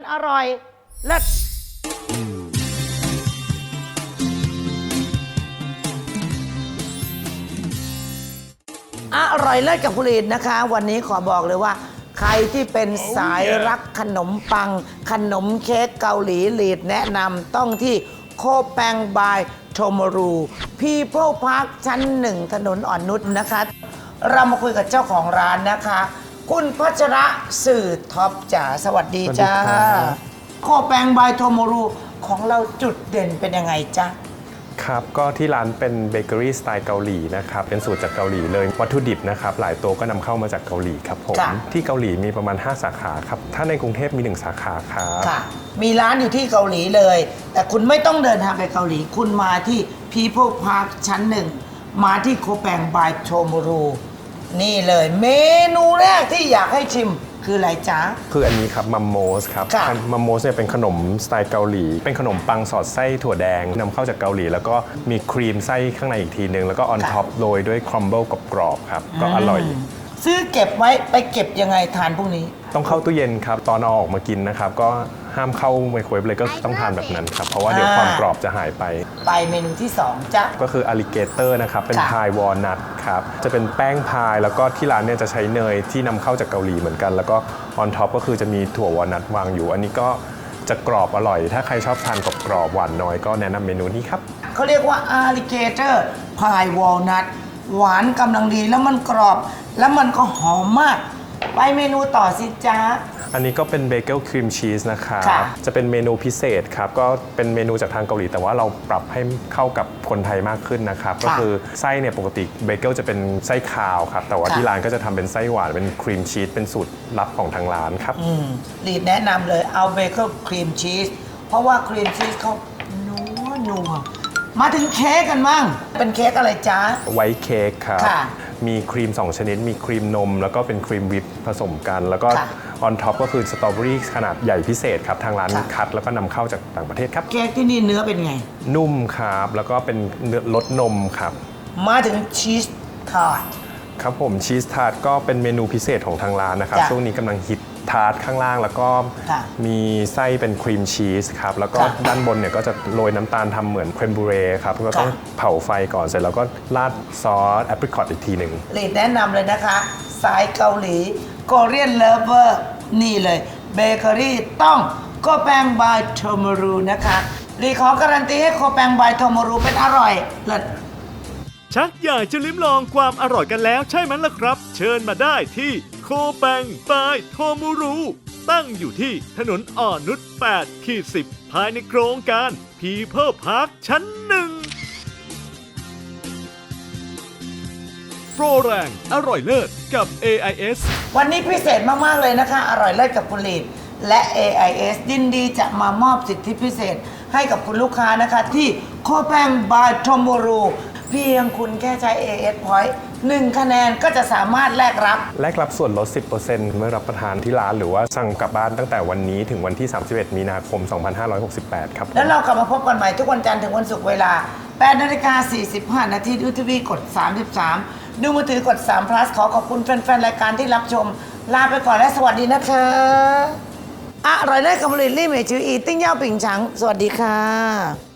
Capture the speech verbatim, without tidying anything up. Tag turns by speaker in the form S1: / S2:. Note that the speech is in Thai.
S1: อร่อยเลิศอร่อยเลิศกับผลิตนะคะวันนี้ขอบอกเลยว่าใครที่เป็นสายรักขนมปังขนมเค้กเกาหลีลีดแนะนำต้องที่โคแปงบายโทโมรูพีเพิลพาร์คชั้นหนึ่งถนนอ่อนนุชนะคะเรามาคุยกับเจ้าของร้านนะคะคุณพัชระสื่อท็อปจ๋าสวัสดีจ้าโคแปงบายโทโมรูของเราจุดเด่นเป็นยังไงจ๊ะ
S2: ครับก็ที่ร้านเป็นเบเกอรี่สไตล์เกาหลีนะครับเป็นสูตรจากเกาหลีเลยวัตถุดิบนะครับหลายตัวก็นำเข้ามาจากเกาหลีครับผมที่เกาหลีมีประมาณห้าสาขาครับถ้าในกรุงเทพมีหนึ่งสาขาครับ
S1: ค่ะมีร้านอยู่ที่เกาหลีเลยแต่คุณไม่ต้องเดินทางไปเกาหลีคุณมาที่ People Park ชั้นหนึ่งมาที่โคแปงบายโทโมรูนี่เลยเมนูแรกที่อยากให้ชิมคืออะไรจ๊ะ
S2: คืออันนี้ครับมัมโมสครับมัมโมสเนี่ยเป็นขนมสไตล์เกาหลีเป็นขนมปังสอดไส้ถั่วแดงนำเข้าจากเกาหลีแล้วก็มีครีมไส้ข้างในอีกทีนึงแล้วก็ออนท็อปโรยด้วยครัมเบิลกรอบๆครับก็อร่อย
S1: ซื้อเก็บไว้ไปเก็บยังไงทานพวกนี้
S2: ต้องเข้าตู้เย็นครับตอนเอาออกมากินนะครับก็ห้ามเข้าไมโครเวฟเลยก็ต้องทานแบบนั้นครับเพราะว่าเดี๋ยวความกรอบจะหายไป
S1: ไปเมนูที่สองจ้ะ
S2: ก็คืออลิเกเตอร์นะครับเป็นพายวอลนัทครับจะเป็นแป้งพายแล้วก็ที่ร้านเนี่ยจะใช้เนยที่นำเข้าจากเกาหลีเหมือนกันแล้วก็ออนท็อปก็คือจะมีถั่ววอลนัทวางอยู่อันนี้ก็จะกรอบอร่อยถ้าใครชอบทานกรอบๆหวานน้อยก็แนะนำเมนูนี้ครับ
S1: เขาเรียกว่าอลิเกเตอร์พายวอลนัทหวานกำลังดีแล้วมันกรอบแล้วมันก็หอมมากไปเมนูต่อสิจ๊ะ
S2: อันนี้ก็เป็นเบเกิลครีมชีสนะครับจะเป็นเมนูพิเศษครับก็เป็นเมนูจากทางเกาหลีแต่ว่าเราปรับให้เข้ากับคนไทยมากขึ้นนะครับก็คือไส้เนี่ยปกติเบเกิลจะเป็นไส้คาวครับแต่ว่าที่ร้านก็จะทำเป็นไส้หวานเป็นครีมชีสเป็นสูตรลับของทางร้านครับ
S1: ลีดแนะนำเลยเอาเบเกิลครีมชีสเพราะว่าครีมชีสเขานัวนัวมาถึงเค้กกันมั่งเป็นเค้กอะไรจ๊ะ
S2: ไวท์เค้กครับมีครีมสองชนิดมีครีมนมแล้วก็เป็นครีมวิปผสมกันแล้วก็ออนท็อปก็คือสตรอเบอรี่ขนาดใหญ่พิเศษครับทางร้านคัดแล้วก็นำเข้าจากต่างประเทศครับ
S1: เค้กที่นี่เนื้อเป็นไง
S2: นุ่มครับแล้วก็เป็นเนื้อรสนมครับ
S1: มาถึงชีสทาร์ต
S2: ครับผมชีสทาร์ตก็เป็นเมนูพิเศษของทางร้านนะครับช่วงนี้กำลังฮิตทาร์ตข้างล่างแล้วก็มีไส้เป็นครีมชีสครับแล้วก็ด้านบนเนี่ยก็จะโรยน้ำตาลทำเหมือนเครมบูเร่ครับก็ต้องเผาไฟก่อนเสร็จแล้วก็ราดซอสแอปริคอตอีกทีหนึ่ง
S1: ลีดแนะนำเลยนะคะสายเกาหลีโคเรียนเลิฟเวอร์นี่เลยเบเกอรี่ต้องโคแปงบายโทโมรูนะคะลีขอการันตีให้โคแปงบายโทโมรูเป็นอร่อยเลิศ
S3: ชักอยากจะลิ้มลองความอร่อยกันแล้วใช่ไหมล่ะครับเชิญมาได้ที่โคแปงบายโทโมรูตั้งอยู่ที่ถนนอ่อนนุช แปด สิบ ภายในโครงการ People Park ชั้นหนึ่งโปรแรงอร่อยเลิศกับ เอ ไอ เอส
S1: วันนี้พิเศษมากๆเลยนะคะอร่อยเลิศกับคุณลีดและ เอ ไอ เอส ยินดีจะมามอบสิทธิพิเศษให้กับคุณลูกค้านะคะที่โคแปงบายโทโมรูเพียงคุณแค่ใช้ เอ เอส Point หนึ่งคะแนนก็จะสามารถแลกรับ
S2: แลกรับส่วนลด สิบเปอร์เซ็นต์ เมื่อรับประทานที่ร้านหรือว่าสั่งกลับบ้านตั้งแต่วันนี้ถึงวันที่ สามสิบเอ็ด มีนาคม สองพันห้าร้อยหกสิบแปด ครับ
S1: แล้วเรากลับมาพบกันใหม่ทุกวันจันทร์ถึงวันศุกร์เวลา แปดนาฬิกาสี่สิบห้า นาทีดูทีวีกดสามสิบสามดูมือถือกดสาม plus ขอขอบคุณแฟนๆรายการที่รับชมลาไปก่อนและสวัสดีนะคะอร่อยได้กับผลิตลี่เหมยจืออีติ้งเย่าปิ่งฉังสวัสดีค่ะ